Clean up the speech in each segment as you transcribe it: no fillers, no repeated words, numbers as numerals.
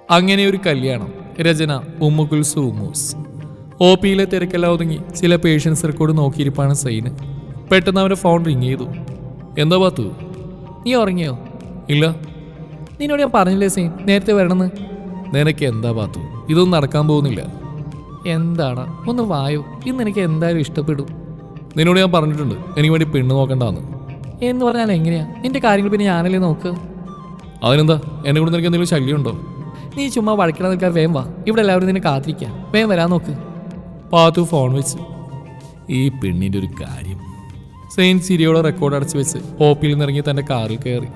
അങ്ങനെ ഒരു കല്യാണം. രചന ഉമ്മുകുൽസു ഉമ്മൂസ്. ഒ പിയിലെ തിരക്കെല്ലാം ഒതുങ്ങി ചില പേഷ്യൻസ് റെക്കോർഡ് നോക്കിയിരിപ്പാണ് സൈന്. പെട്ടെന്ന് അവൻ്റെ ഫോൺ റിങ് ചെയ്തു. എന്താ പാത്തു? നീ ഉറങ്ങിയോ? ഇല്ല. നിന്നോട് ഞാൻ പറഞ്ഞില്ലേ സൈൻ നേരത്തെ വരണമെന്ന്? നിനക്ക് എന്താ പാത്തു, ഇതൊന്നും നടക്കാൻ പോകുന്നില്ല. എന്താണ്? ഒന്ന് വായോ, ഇന്ന് എനിക്ക് എന്തായാലും ഇഷ്ടപ്പെടും. നിന്നോട് ഞാൻ പറഞ്ഞിട്ടുണ്ട് എനിക്ക് വേണ്ടി പെണ്ണ് നോക്കണ്ടെന്ന്. എന്ന് പറഞ്ഞാൽ എങ്ങനെയാ? നിന്റെ കാര്യങ്ങൾ പിന്നെ ഞാനല്ലേ നോക്ക്. അതിനെന്താ, എന്നെ കൊണ്ട് നിനക്ക് എന്തെങ്കിലും ശല്യമുണ്ടോ? നീ ചുമ്മാ വഴക്കിടാൻ നിൽക്കാൻ വേഗം വാ, ഇവിടെ എല്ലാവരും നിന്നെ കാത്തിരിക്കാം. വേഗം വരാൻ നോക്ക്. പാത്തു ഫോൺ വെച്ച്. ഈ പെണ്ണിൻ്റെ ഒരു കാര്യം. സെയിൻ സിരിയോടെ റെക്കോർഡ് അടച്ചു വെച്ച് ഒ പിയിൽ നിന്നിറങ്ങി തൻ്റെ കാറിൽ കയറി.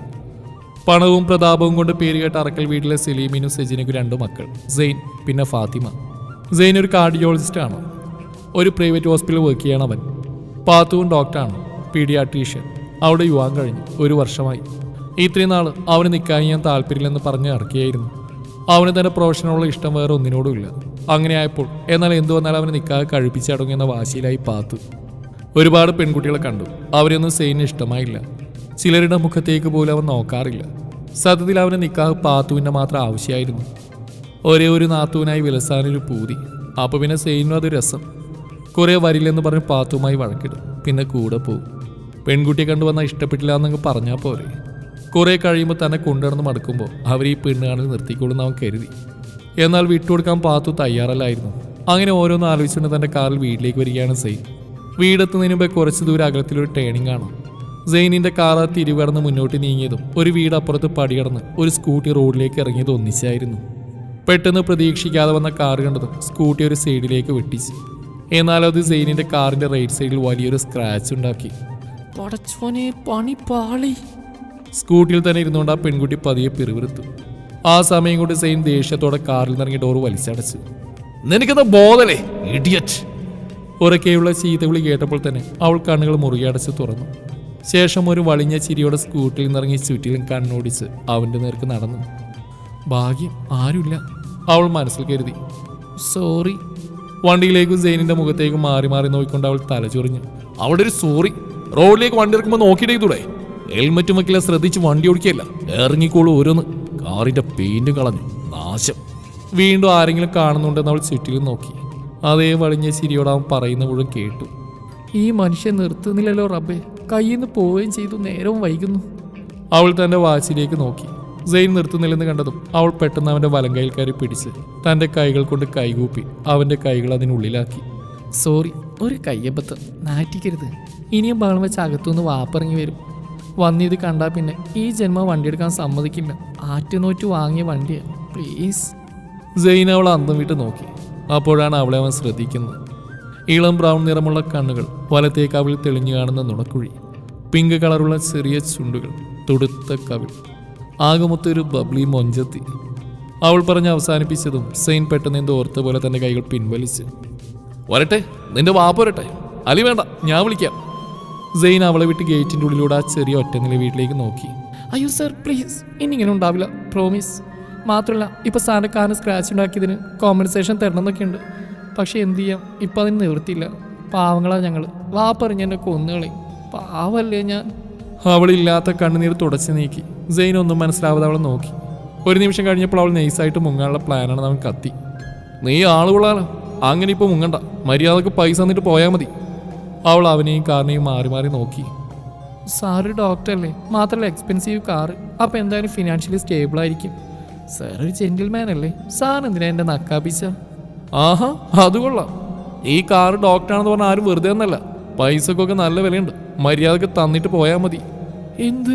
പണവും പ്രതാപവും കൊണ്ട് പേരുകേട്ട അറക്കൽ വീട്ടിലെ സലീമിനും സെജിനും 2 മക്കൾ, സെയിൻ പിന്നെ ഫാത്തിമ. സെയിൻ ഒരു കാർഡിയോളജിസ്റ്റാണ്. ഒരു പ്രൈവറ്റ് ഹോസ്പിറ്റലിൽ വർക്ക് ചെയ്യണം അവൻ. പാത്തുവും ഡോക്ടറാണ്, പീഡിയാട്രീഷ്യൻ. അവിടെ യുവാൻ കഴിഞ്ഞു 1 വർഷമായി. ഇത്രയും നാൾ അവന് നിൽക്കാൻ ഞാൻ താല്പര്യമില്ലെന്ന് പറഞ്ഞ് ഇറക്കിയായിരുന്നു. അവന് തൻ്റെ പ്രൊഫഷനുള്ള ഇഷ്ടം വേറെ ഒന്നിനോടുമില്ല. അങ്ങനെ ആയപ്പോൾ എന്നാൽ എന്തു വന്നാലും അവന് നിൽക്കാതെ കഴിപ്പിച്ചടങ്ങുന്ന വാശിയിലായി പാത്തു. ഒരുപാട് പെൺകുട്ടികളെ കണ്ടു, അവരെയൊന്നും സെയിന് ഇഷ്ടമായില്ല. ചിലരുടെ മുഖത്തേക്ക് പോലും അവൻ നോക്കാറില്ല. സത്യത്തിൽ അവന് നിക്കാഹ് പാത്തുവിൻ്റെ മാത്രം ആവശ്യമായിരുന്നു. ഒരേ ഒരു നാത്തുവിനായി വിലസാനൊരു പൂതി. അപ്പോൾ പിന്നെ സെയിനും അത് രസം. കുറേ വരില്ലെന്ന് പറഞ്ഞ് പാത്തുവുമായി വഴക്കിടും, പിന്നെ കൂടെ പോവും. പെൺകുട്ടിയെ കണ്ടുവന്നാൽ ഇഷ്ടപ്പെട്ടില്ല എന്നങ്ങ് പറഞ്ഞാൽ പോരെ. കുറേ കഴിയുമ്പോൾ തന്നെ കൊണ്ടുവന്ന് മടക്കുമ്പോൾ അവർ ഈ പെണ്ണുകാണിൽ നിർത്തിക്കൊള്ളുന്ന അവൻ കരുതി. എന്നാൽ വിട്ടുകൊടുക്കാൻ പാത്തു തയ്യാറല്ലായിരുന്നു. അങ്ങനെ ഓരോന്ന് ആലോചിച്ചുകൊണ്ട് തൻ്റെ കാറിൽ വീട്ടിലേക്ക് വരികയാണ് സെയിൻ. വീടെത്തുന്നതിന് മുമ്പേ കുറച്ച് ദൂരം അകലത്തിലൊരു ടേണിംഗ് ആണ്. സെയിനിൻ്റെ കാർ തിരിവടന്ന് മുന്നോട്ട് നീങ്ങിയതും ഒരു വീട് അപ്പുറത്ത് പടികടന്ന് ഒരു സ്കൂട്ടി റോഡിലേക്ക് ഇറങ്ങിയത് ഒന്നിച്ചായിരുന്നു. പെട്ടെന്ന് പ്രതീക്ഷിക്കാതെ വന്ന കാർ കണ്ടതും സ്കൂട്ടി ഒരു സൈഡിലേക്ക് വെട്ടിച്ചു. എന്നാൽ അത് സെയിനിൻ്റെ കാറിൻ്റെ റൈറ്റ് സൈഡിൽ വലിയൊരു സ്ക്രാച്ച് ഉണ്ടാക്കി. പടച്ചോനെ, പണി പാളി. സ്കൂട്ടിയിൽ തന്നെ ഇരുന്നുകൊണ്ട് ആ പെൺകുട്ടി പതിയെ പിറുവിറുത്തു. ആ സമയം കൊണ്ട് സെയിൻ ദേഷ്യത്തോടെ കാറിൽ നിന്നിറങ്ങി ഡോർ വലിച്ചടച്ചു. നിനക്കെന്താ ബോധല്ലേ ഇഡിയറ്റ്? ഉറക്കെയുള്ള ചീത്തവിളി കേട്ടപ്പോൾ തന്നെ അവൾ കണ്ണുകൾ മുറുകെ അടച്ച് തുറന്നു. ശേഷം ഒരു വളിഞ്ഞ ചിരിയോടെ സ്കൂട്ടിയിൽ നിന്നിറങ്ങി ചുറ്റിലും കണ്ണോടിച്ച് അവൻ്റെ നേർക്ക് നടന്നു. ഭാഗ്യം ആരുമില്ല, അവൾ മനസ്സിൽ കരുതി. സോറി. വണ്ടിയിലേക്കും സെയിനിൻ്റെ മുഖത്തേക്കും മാറി മാറി നോക്കിക്കൊണ്ട് അവൾ തലചൊറിഞ്ഞു. അവിടെ ഒരു സോറി? റോഡിലേക്ക് വണ്ടി ഇറക്കുമ്പോൾ നോക്കിയിട്ടേ ഹെൽമറ്റും വയ്ക്കില്ല, ശ്രദ്ധിച്ച് വണ്ടി ഓടിക്കുകയല്ല, ഇറങ്ങിക്കോളൂ ഓരോന്ന്. കാറിൻ്റെ പെയിൻറ്റും കളഞ്ഞു, നാശം. വീണ്ടും ആരെങ്കിലും കാണുന്നുണ്ടെന്ന് അവൾ ചുറ്റിലും നോക്കി. അതേ വളിഞ്ഞ ചിരിയോട് അവൻ പറയുന്ന മുഴുവൻ കേട്ടു. ഈ മനുഷ്യൻ നിർത്തുന്നില്ലല്ലോ റബ്ബേ, കയ്യിൽ നിന്ന് പോവുകയും ചെയ്തു, നേരവും വൈകുന്നു. അവൾ തൻ്റെ വാച്ചിലേക്ക് നോക്കി. സെയിൻ നിർത്തുന്നില്ലെന്ന് കണ്ടതും അവൾ പെട്ടെന്ന് അവൻ്റെ വലം കൈയിൽ കയറി പിടിച്ച് തൻ്റെ കൈകൾ കൊണ്ട് കൈകൂപ്പി അവൻ്റെ കൈകൾ അതിനുള്ളിലാക്കി. സോറി, ഒരു കയ്യബദ്ധം, നാറ്റിക്കരുത്. ഇനിയും ബഹളം വെച്ച് അകത്തുനിന്ന് വാപ്പിറങ്ങി വരും. വന്നിത് കണ്ടാൽ പിന്നെ ഈ ജന്മം വണ്ടിയെടുക്കാൻ സമ്മതിക്കില്ല. ആറ്റുനോറ്റ് വാങ്ങിയ വണ്ടിയാണ്, പ്ലീസ്. സെയിൻ അവൾ അന്തം വിട്ട് നോക്കി. അപ്പോഴാണ് അവളെ അവൻ ശ്രദ്ധിക്കുന്നത്. ഇളം ബ്രൗൺ നിറമുള്ള കണ്ണുകൾ, വലത്തേക്ക് അവളിൽ തെളിഞ്ഞു കാണുന്ന നുണക്കുഴി, പിങ്ക് കളറുള്ള ചെറിയ ചുണ്ടുകൾ, തുടുത്ത കവിൾ, ആകമൊത്തൊരു ബബ്ലി മൊഞ്ചത്തി. അവൾ പറഞ്ഞ് അവസാനിപ്പിച്ചതും സെയിൻ പെട്ടെന്ന് എന്തോ ഓർത്ത പോലെ തൻ്റെ കൈകൾ പിൻവലിച്ച്. വരട്ടെ, നിന്റെ വാപ്പ വരട്ടെ. അലി വേണ്ട, ഞാൻ വിളിക്കാം. സെയിൻ അവളെ വിട്ട് ഗേറ്റിൻ്റെ ഉള്ളിലൂടെ ആ ചെറിയ ഒറ്റനില വീട്ടിലേക്ക് നോക്കി. അയ്യോ സർ, പ്ലീസ്, ഇനിങ്ങനെ ഉണ്ടാവില്ല, പ്രോമിസ്. മാത്രമല്ല ഇപ്പോൾ സാറിൻ്റെ കാറിന് സ്ക്രാച്ച് ഉണ്ടാക്കിയതിന് കോമ്പൻസേഷൻ തരണമെന്നൊക്കെ ഉണ്ട്. പക്ഷെ എന്ത് ചെയ്യാം, ഇപ്പം അതിന് നിവൃത്തിയില്ല. പാവങ്ങളാണ് ഞങ്ങൾ. വാപ്പറിഞ്ഞ് എന്നെ കൊന്നുകളയും. പാവല്ലേ ഞാൻ. അവളില്ലാത്ത കണ്ണുനീർ തുടച്ച് നീക്കി. സെയിൻ ഒന്നും മനസ്സിലാവാതെ അവളെ നോക്കി. ഒരു നിമിഷം കഴിഞ്ഞപ്പോൾ അവൾ നൈസായിട്ട് മുങ്ങാനുള്ള പ്ലാനാണെന്ന് അവൻ കത്തി. നീ ആളുകൊള്ളാലോ, അങ്ങനെ ഇപ്പോൾ മുങ്ങണ്ട, മര്യാദക്ക് പൈസ തന്നിട്ട് പോയാൽ മതി. അവൾ അവനെയും കാറിനെയും മാറി മാറി നോക്കി. സാറ് ഡോക്ടറല്ലേ, മാത്രമല്ല എക്സ്പെൻസീവ് കാറ്, അപ്പം എന്തായാലും ഫിനാൻഷ്യലി സ്റ്റേബിളായിരിക്കും. സാർ ഒരു ജെന്റിൽമാൻ അല്ലേ, സാർ എന്തിനാ എൻ്റെ നക്കാപ്പിച്ച? ആഹാ, അത് കൊള്ളാം. ഈ കാറ് ഡോക്ടറാണെന്ന് പറഞ്ഞാൽ ആരും വെറുതെ ഒന്നല്ല, പൈസക്കൊക്കെ നല്ല വിലയുണ്ട്. മര്യാദക്ക് തന്നിട്ട് പോയാൽ മതി. എന്ത്?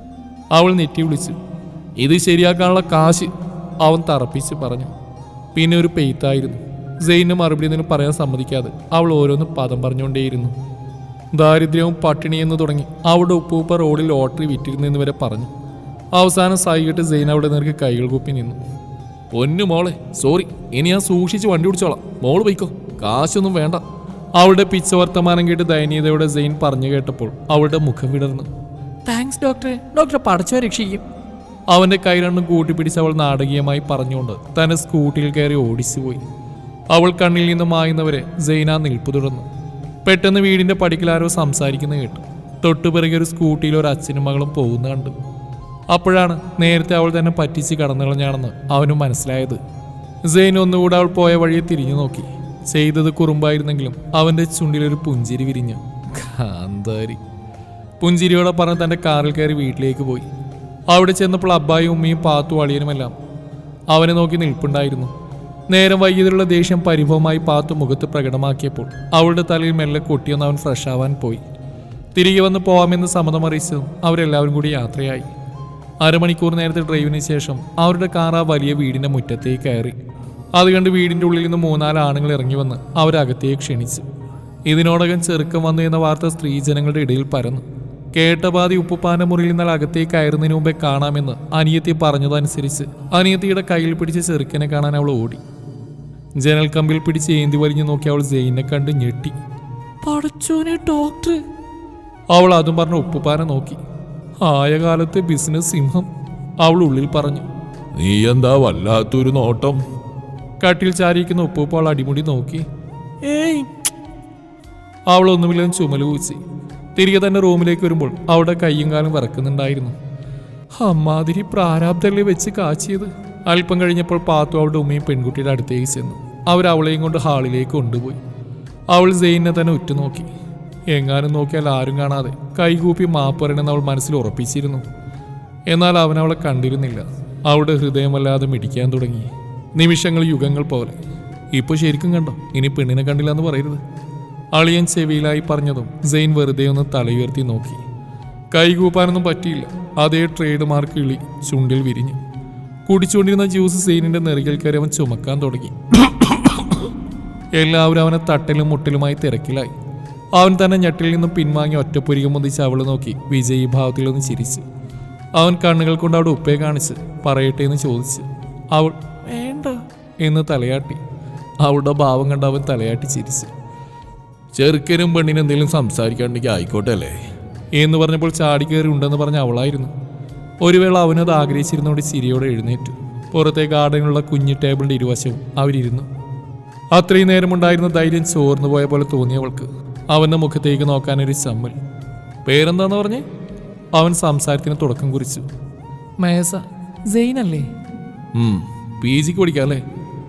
അവൾ നെറ്റി വിളിച്ചു. ഇത് ശരിയാക്കാനുള്ള കാശ്, അവൻ തറപ്പിച്ച് പറഞ്ഞു. പിന്നെ ഒരു പെയ്ത്തായിരുന്നു. സെയിന് മറുപടി ഒന്നും പറയാൻ സമ്മതിക്കാതെ അവൾ ഓരോന്ന് പദം പറഞ്ഞുകൊണ്ടേയിരുന്നു. ദാരിദ്ര്യവും പട്ടിണിയെന്ന് തുടങ്ങി അവളുടെ ഉപ്പൂപ്പ റോഡിൽ ലോട്ടറി വിറ്റിരുന്നെന്ന് വരെ പറഞ്ഞു. അവസാനം സായികെട്ട് സെയിൻ അവിടെ നേർക്ക് കൈകൾ കൂപ്പി നിന്നു. പൊന്നു മോളെ, സോറി, ഇനി ഞാൻ സൂക്ഷിച്ച് വണ്ടി ഓടിച്ചോളാം, മോള് പോയിക്കോ, കാശൊന്നും വേണ്ട. അവളുടെ പിച്ച വർത്തമാനം കേട്ട് ദയനീയതയോടെ സെയിൻ പറഞ്ഞു കേട്ടപ്പോൾ അവളുടെ മുഖം വിടർന്നു. താങ്ക്സ് ഡോക്ടറെ, ഡോക്ടറെ പടച്ചോ രക്ഷിക്കും. അവൻ്റെ കൈ രണ്ടും കൂട്ടിപ്പിടിച്ച് അവൾ നാടകീയമായി പറഞ്ഞുകൊണ്ട് തന്നെ സ്കൂട്ടിയിൽ കയറി ഓടിച്ചുപോയി. അവൾ കണ്ണിൽ നിന്ന് മായുന്നവരെ സെയിന നിൽപ്പു തുടർന്നു. പെട്ടെന്ന് വീടിൻ്റെ പടിക്കലാരോ സംസാരിക്കുന്ന കേട്ടു. തൊട്ടുപിറകെ ഒരു സ്കൂട്ടിയിൽ ഒരു അച്ഛനും മകളും പോകുന്ന കണ്ടു. അപ്പോഴാണ് നേരത്തെ അവൾ തന്നെ പറ്റിച്ച് കടന്നുകളഞ്ഞാണെന്ന് അവനും മനസ്സിലായത്. സെയിൻ ഒന്നുകൂടെ അവൾ പോയ വഴിയെ തിരിഞ്ഞു നോക്കി. ചെയ്തത് കുറുമ്പായിരുന്നെങ്കിലും അവൻ്റെ ചുണ്ടിലൊരു പുഞ്ചിരി വിരിഞ്ഞു. കാന്താരി. പുഞ്ചിരിയോടെ പറഞ്ഞ് തൻ്റെ കാറിൽ കയറി വീട്ടിലേക്ക് പോയി. അവിടെ ചെന്നപ്പോൾ അബ്ബായും ഉമ്മയും പാത്തു അളിയനുമെല്ലാം അവനെ നോക്കി നിൽപ്പുണ്ടായിരുന്നു. നേരം വൈകിയതിലുള്ള ദേഷ്യം പരിഭവമായി പാത്തു മുഖത്ത് പ്രകടമാക്കിയപ്പോൾ അവളുടെ തലയിൽ മെല്ലെ കൊട്ടിയൊന്ന് അവൻ ഫ്രഷ് ആവാൻ പോയി. തിരികെ വന്ന് പോവാമെന്ന് സമ്മതമറിയിച്ചതും അവരെല്ലാവരും കൂടി യാത്രയായി. അരമണിക്കൂർ നേരത്തെ ഡ്രൈവിന് ശേഷം അവരുടെ കാർ ആ വലിയ വീടിൻ്റെ മുറ്റത്തേക്ക് കയറി. അത് കണ്ട് വീടിൻ്റെ ഉള്ളിൽ നിന്ന് 3-4 ആണുങ്ങൾ ഇറങ്ങി വന്ന് അവരകത്തേക്ക് ക്ഷണിച്ചു. ഇതിനോടകം ചെറുക്കം വന്നു എന്ന വാർത്ത സ്ത്രീജനങ്ങളുടെ ഇടയിൽ പരന്നു. കേട്ട പാതി ഉപ്പുപ്പാന്റെ മുറിയിൽ നിന്നാൽ അകത്തേക്ക് കയറുന്നതിന് മുമ്പേ കാണാമെന്ന് അനിയത്തി പറഞ്ഞതനുസരിച്ച് അനിയത്തിയുടെ കയ്യിൽ പിടിച്ച് ചെറുക്കനെ കാണാൻ അവൾ ഓടി. ജനൽ കമ്പിൽ പിടിച്ച് ഏന്തി വലിഞ്ഞു നോക്കി അവൾ സെയിനെ കണ്ട് ഞെട്ടി. പടച്ചോനെ ഡോക്ടർ! അവൾ അതും പറഞ്ഞ ഉപ്പുപ്പാനെ നോക്കി. ആയ കാലത്തെ ബിസിനസ് സിംഹം, അവൾ ഉള്ളിൽ പറഞ്ഞു. നീ എന്താ വല്ലാത്തൊരു നോട്ടം? കട്ടിൽ ചാരിയിരിക്കുന്ന ഉപ്പുപ്പ അവൾ അടിമുടി നോക്കി. ഏയ്! അവളൊന്നുമില്ലെന്ന് ചുമല് കൂച്ചി. തിരികെ തന്നെ റൂമിലേക്ക് വരുമ്പോൾ അവളുടെ കയ്യും കാലും വിറക്കുന്നുണ്ടായിരുന്നു. അമ്മാതിരി പ്രാരാബ്ദല്ലേ വെച്ച് കാച്ചിയത്. അല്പം കഴിഞ്ഞപ്പോൾ പാത്തു അവളുടെ ഉമ്മയും പെൺകുട്ടിയുടെ അടുത്തേക്ക് ചെന്നു. അവളെയും കൊണ്ട് ഹാളിലേക്ക് കൊണ്ടുപോയി. അവൾ സെയിനെ തന്നെ ഉറ്റുനോക്കി. എങ്ങാനും നോക്കിയാൽ ആരും കാണാതെ കൈകൂപ്പി മാപ്പ് പറയണമെന്ന് അവൾ മനസ്സിൽ ഉറപ്പിച്ചിരുന്നു. എന്നാൽ അവളെ കണ്ടിരുന്നില്ല. അവളുടെ ഹൃദയമല്ലാതെ മിടിക്കാൻ തുടങ്ങി. നിമിഷങ്ങൾ യുഗങ്ങൾ പോലെ. ഇപ്പോൾ ശരിക്കും കണ്ടോ? ഇനി പെണ്ണിനെ കണ്ടില്ല എന്ന് പറയരുത്. അളിയൻ ചെവിയിലായി പറഞ്ഞതും സെയിൻ വെറുതെ ഒന്ന് തലയുയർത്തി നോക്കി. കൈകൂപ്പാനൊന്നും പറ്റിയില്ല. അതേ ട്രേഡ് മാർക്ക് ഇളി ചുണ്ടിൽ വിരിഞ്ഞു. കുടിച്ചുകൊണ്ടിരുന്ന ജ്യൂസ് സെയിനിന്റെ നെറുകിൽ കയറി അവൻ ചുമക്കാൻ തുടങ്ങി. എല്ലാവരും അവനെ തട്ടലും മുട്ടലുമായി തിരക്കിലായി. അവൻ തന്നെ ഞെട്ടിൽ നിന്നും പിൻവാങ്ങി ഒറ്റപ്പൊരികം മുതിച്ച് അവളെ നോക്കി വിജയീ ഭാവത്തിലൊന്ന് ചിരിച്ചു. അവൻ കണ്ണുകൾ കൊണ്ട് അവിടെ ഉപ്പയെ കാണിച്ച് പറയട്ടെ എന്ന് ചോദിച്ചു. അവൾ വേണ്ട എന്ന് തലയാട്ടി. അവളുടെ ഭാവം കണ്ട് അവൻ തലയാട്ടി ചിരിച്ചു. ചെറുക്കനും പെണ്ണിനും എന്തെങ്കിലും സംസാരിക്കാണ്ടെങ്കിൽ ആയിക്കോട്ടെ അല്ലേ എന്ന് പറഞ്ഞപ്പോൾ ചാടിക്കയറി ഉണ്ടെന്ന് പറഞ്ഞ അവളായിരുന്നു. ഒരു വേള അവനത് ആഗ്രഹിച്ചിരുന്നോട് ചിരിയോടെ എഴുന്നേറ്റു. പുറത്തെ ഗാർഡനിലുള്ള കുഞ്ഞു ടേബിളിന്റെ ഇരുവശവും അവരിരുന്നു. അത്രയും നേരമുണ്ടായിരുന്ന ധൈര്യം ചോർന്നു പോയ പോലെ തോന്നിയവൾക്ക് അവന്റെ മുഖത്തേക്ക് നോക്കാനൊരു ചമ്മൽ. പേരെന്താന്ന് പറഞ്ഞേ? അവൻ സംസാരത്തിന് തുടക്കം കുറിച്ചു. മേസ. സെയിനല്ലേ? PG പഠിക്കാം അല്ലേ?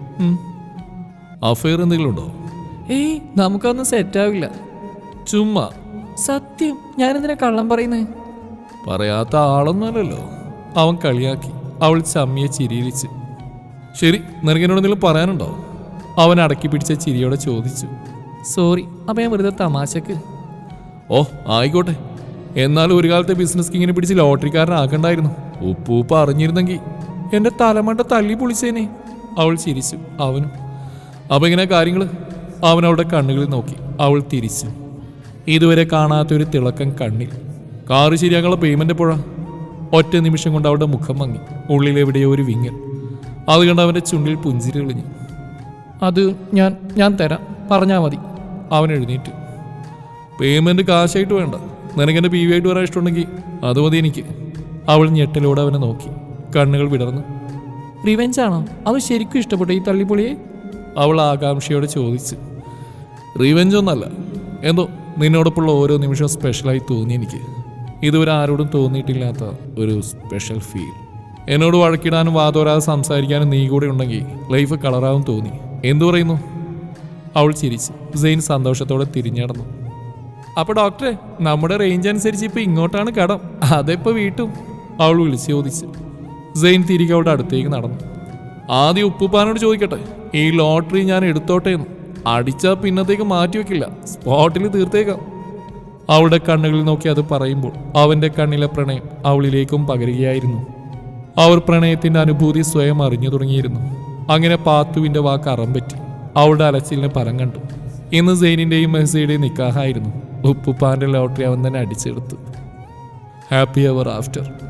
അഫയർ എന്തെങ്കിലും ഉണ്ടോ? ഏയ്, നമുക്കൊന്നും സെറ്റാവില്ല. ചുമ്മാ. സത്യം. ഞാനെന്തിനാ കള്ളം പറയുന്നത്? പറയാത്ത ആളൊന്നുമല്ലല്ലോ. അവൻ കളിയാക്കി. അവൾ ചമ്മിയെ ചിരിയിലിച്ച്. ശരി, നിനക്കെന്നോട് എന്തെങ്കിലും പറയാനുണ്ടോ? അവൻ അടക്കി പിടിച്ച ചിരിയോടെ ചോദിച്ചു. സോറി, അപ്പം ഞാൻ വെറുതെ തമാശക്ക്. ഓ ആയിക്കോട്ടെ. എന്നാലും ഒരു കാലത്തെ ബിസിനസ് കിങ്ങിനെ പിടിച്ച് ലോട്ടറിക്കാരനാക്കണ്ടായിരുന്നു. ഉപ്പൂപ്പ അറിഞ്ഞിരുന്നെങ്കിൽ എൻ്റെ തലമണ്ട തല്ലി പൊളിച്ചേനെ. അവൾ ചിരിച്ചു. അവനും. അപ്പം ഇങ്ങനെ കാര്യങ്ങൾ. അവൻ അവളുടെ കണ്ണുകളിൽ നോക്കി. അവൾ തിരിച്ചു. ഇതുവരെ കാണാത്തൊരു തിളക്കം കണ്ണിൽ. കാറ് ശരിയാക്കാനുള്ള പേയ്മെന്റ് എപ്പോഴാ? ഒറ്റ നിമിഷം കൊണ്ട് അവളുടെ മുഖം മങ്ങി. ഉള്ളിലെവിടെയോ ഒരു വിങ്ങൽ. അത് കണ്ട് അവൻ്റെ ചുണ്ടിൽ പുഞ്ചിരി തെളിഞ്ഞു. അത് ഞാൻ തരാം, പറഞ്ഞാൽ മതി. അവൻ എഴുന്നേറ്റു. പേയ്മെന്റ് കാശായിട്ട് വേണ്ട, നിനക്കെൻ്റെ PV ആയിട്ട് വരാൻ ഇഷ്ടമുണ്ടെങ്കിൽ അത് മതി എനിക്ക്. അവൾ ഞെട്ടലോടെ അവനെ നോക്കി. കണ്ണുകൾ വിടർന്നു. റിവെഞ്ചാണോ? അത് ശരിക്കും ഇഷ്ടപ്പെട്ടു ഈ തള്ളിപ്പൊളിയെ? അവൾ ആകാംക്ഷയോടെ ചോദിച്ചു. റിവെഞ്ച് ഒന്നല്ല, എന്തോ നിന്നോടൊപ്പമുള്ള ഓരോ നിമിഷവും സ്പെഷ്യലായി തോന്നി എനിക്ക്. ഇതുവരെ ആരോടും തോന്നിയിട്ടില്ലാത്ത ഒരു സ്പെഷ്യൽ ഫീൽ. എന്നോട് വഴക്കിടാനും വാതോരാതെ സംസാരിക്കാനും നീ കൂടെ ഉണ്ടെങ്കിൽ ലൈഫ് കളറാവും തോന്നി. എന്തു പറയുന്നു? അവൾ ചിരിച്ചു. സെയിൻ സന്തോഷത്തോടെ തിരിഞ്ഞടന്നു. അപ്പോൾ ഡോക്ടറെ, നമ്മുടെ റേഞ്ച് അനുസരിച്ച് ഇപ്പോൾ ഇങ്ങോട്ടാണ് കടം, അതെപ്പോൾ വീട്ടും? അവൾ വിളിച്ചു ചോദിച്ചു. സെയിൻ തിരികെ അവളുടെ അടുത്തേക്ക് നടന്നു. ആദ്യം ഉപ്പുപ്പാനോട് ചോദിക്കട്ടെ, ഈ ലോട്ടറി ഞാൻ എടുത്തോട്ടെ എന്ന്. അടിച്ചാൽ പിന്നത്തേക്ക് മാറ്റി വെക്കില്ല, സ്പോട്ടിൽ തീർത്തേക്കാം. അവളുടെ കണ്ണുകളിൽ നോക്കി അത് പറയുമ്പോൾ അവൻ്റെ കണ്ണിലെ പ്രണയം അവളിലേക്കും പകരുകയായിരുന്നു. അവർ പ്രണയത്തിൻ്റെ അനുഭൂതി സ്വയം അറിഞ്ഞു തുടങ്ങിയിരുന്നു. അങ്ങനെ പാത്തുവിൻ്റെ വാക്ക് അറമ്പറ്റി. അവളുടെ അലച്ചിലിന് ഫലം കണ്ടു. ഇന്ന് സെയിനിൻ്റെയും മെഹ്സയുടെയും നിക്കാഹായിരുന്നു. ഉപ്പുപ്പാൻ്റെ ലോട്ടറി അവൻ തന്നെ അടിച്ചെടുത്തു. Happy ever after.